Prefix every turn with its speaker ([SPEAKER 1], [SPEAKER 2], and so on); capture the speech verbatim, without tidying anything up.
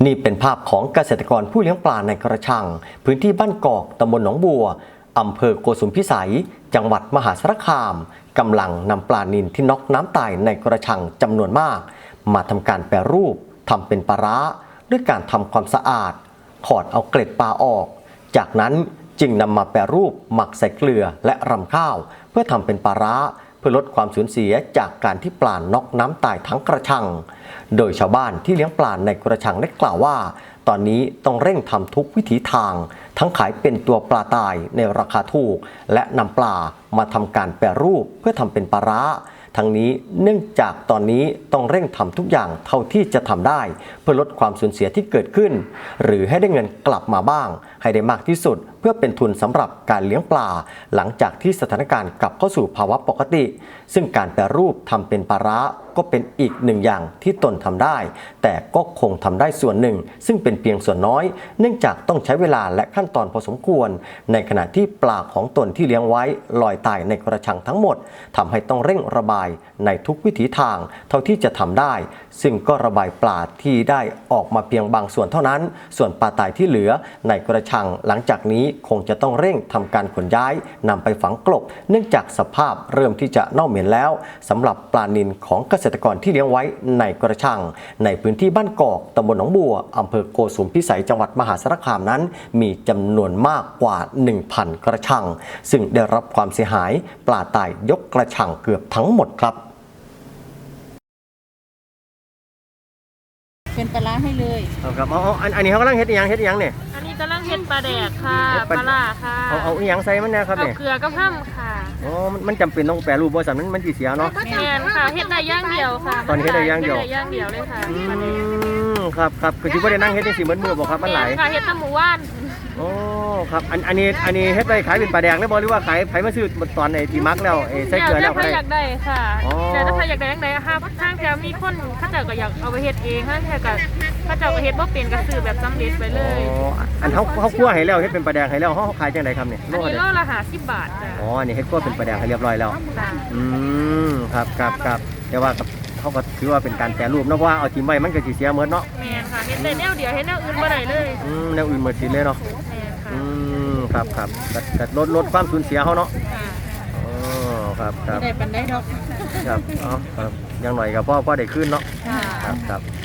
[SPEAKER 1] นี่เป็นภาพของเกษตรกรผู้เลี้ยงปลาในกระชังพื้นที่บ้านกอกตำบลหนองบัวอำเภอโกสุมพิสัยจังหวัดมหาสารคามกำลังนำปลานิลที่น็อกน้ำตายในกระชังจำนวนมากมาทำการแปรรูปทำเป็นปลาร้าด้วยการทำความสะอาดถอดเอาเกล็ดปลาออกจากนั้นจึงนำมาแปรรูปหมักใส่เกลือและรำข้าวเพื่อทำเป็นปลาร้าเพื่อลดความสูญเสียจากการที่ปลาน็อกน้ำตายทั้งกระชังโดยชาวบ้านที่เลี้ยงปลาในกระชังได้กล่าวว่าตอนนี้ต้องเร่งทำทุกวิถีทางทั้งขายเป็นตัวปลาตายในราคาถูกและนำปลามาทำการแปรรูปเพื่อทำเป็นปลาร้าทั้งนี้เนื่องจากตอนนี้ต้องเร่งทำทุกอย่างเท่าที่จะทำได้เพื่อลดความสูญเสียที่เกิดขึ้นหรือให้ได้เงินกลับมาบ้างให้ได้มากที่สุดเพื่อเป็นทุนสำหรับการเลี้ยงปลาหลังจากที่สถานการณ์กลับเข้าสู่ภาวะปกติซึ่งการแปรรูปทำเป็นปลาร้าก็เป็นอีกหนึ่งอย่างที่ตนทำได้แต่ก็คงทำได้ส่วนหนึ่งซึ่งเป็นเพียงส่วนน้อยเนื่องจากต้องใช้เวลาและขั้นตอนพอสมควรในขณะที่ปลาของตนที่เลี้ยงไว้ลอยตายในกระชังทั้งหมดทำให้ต้องเร่งระบายในทุกวิถีทางเท่าที่จะทำได้ซึ่งก็ระบายปลาที่ได้ออกมาเพียงบางส่วนเท่านั้นส่วนปลาตายที่เหลือในกระชังหลังจากนี้คงจะต้องเร่งทำการขนย้ายนำไปฝังกลบเนื่องจากสภาพเริ่มที่จะเน่าเหม็นแล้วสำหรับปลานิลของเกษตรกรที่เลี้ยงไว้ในกระชังในพื้นที่บ้านกอกตำบลหนองบัวอำเภอโกสุมพิสัยจังหวัดมหาสารคามนั้นมีจำนวนมากกว่า หนึ่งพัน กระชังซึ่งได้รับความเสียหายปลาตายยกกระชังเกือบทั้งหมดครับ
[SPEAKER 2] เป็นปลาร้าให้เลย
[SPEAKER 3] ครับเอาเอาอันนี้เขากำลังเฮ็ดอีหยังเฮ็ดอีหยังเนี่ย
[SPEAKER 4] อันนี้กำลังเฮ็ดปลาแดกค่ะปลาล่าค่ะ
[SPEAKER 3] เอาเอาอีหยังใส่มันเนี่ยครับเนี่ย
[SPEAKER 4] เอาเกลือกับห้ำค่ะ
[SPEAKER 3] อ๋อมันจำเป็นต้องแปรรูปบ่สั่นมันมันสิเสียเนาะ
[SPEAKER 4] แม่นค่ะเฮ็ดได้อย่างเดียวค่ะ
[SPEAKER 3] ตอนนี้เฮ็ดได้อย่างเดียว
[SPEAKER 4] เฮ็ดได้อย่างเดียวเลยค่ะ
[SPEAKER 3] อืมครับครับคือสิบ่ได้นั่งเฮ็ดจังซี่เหมือนมื้อบ่ครับมันหลาย
[SPEAKER 4] ค่ะเฮ็ดแตะหมู่บ้าน
[SPEAKER 3] โอ้ครับอันอันนี้อันนี้เฮ็ดไปขายเป็นปลาแดกได้บ่หรือว่าขายไผมาซื้อตอนไอ้ที่มักแล้วไอ้ใส่เกลือแล้ว
[SPEAKER 4] ก็ได้อยากได้ค่ะแต่ถ้าใครอยากได้จังได๋ค่ะทางแถวมีคนเขาเจ้าก็อยากเอาไปเฮ็ดเองค่ะแต่ก็เขาเจ้าก็เฮ็ดบ่เป็นก็ซื้อแบบสำเร็จไปเลย
[SPEAKER 3] อ๋ออันเฮาเฮาคั่วให้แล้วเฮ็ดเป็นปลาแดกให้แล้วเฮาขายจังได๋ครับเนี่ย
[SPEAKER 4] อันนี้โลละห้าสิบบาทจ้ะ
[SPEAKER 3] อ๋ออันนี้เฮ็ดคั่วเป็นปลาแดกให้เรียบร้อยแล้วอืมครับครับครับแต่ว่าเขาก็ถือว่าเป็นการแปรรูปเนาะเพราะว่าเอาทิ่มไว้มันก็สิเสียหมดเนาะ
[SPEAKER 4] แม่นค่ะเฮ็ดได้แนวเดียวเฮ็ดแนวอื่นบ่ได้เลย
[SPEAKER 3] อืมแนวอื่นหมดสิ้นเลยเนาะ
[SPEAKER 4] แม่นค่ะ
[SPEAKER 3] อืมครับครับก็ลดลดความสูญเสียเขาเนาะอ๋อครับครับ
[SPEAKER 2] ได้ปันได้ดอก
[SPEAKER 3] ครับอ๋อครับยังหน่อยกับพ่อพ่อได้ขึ้นเนาะครับครับ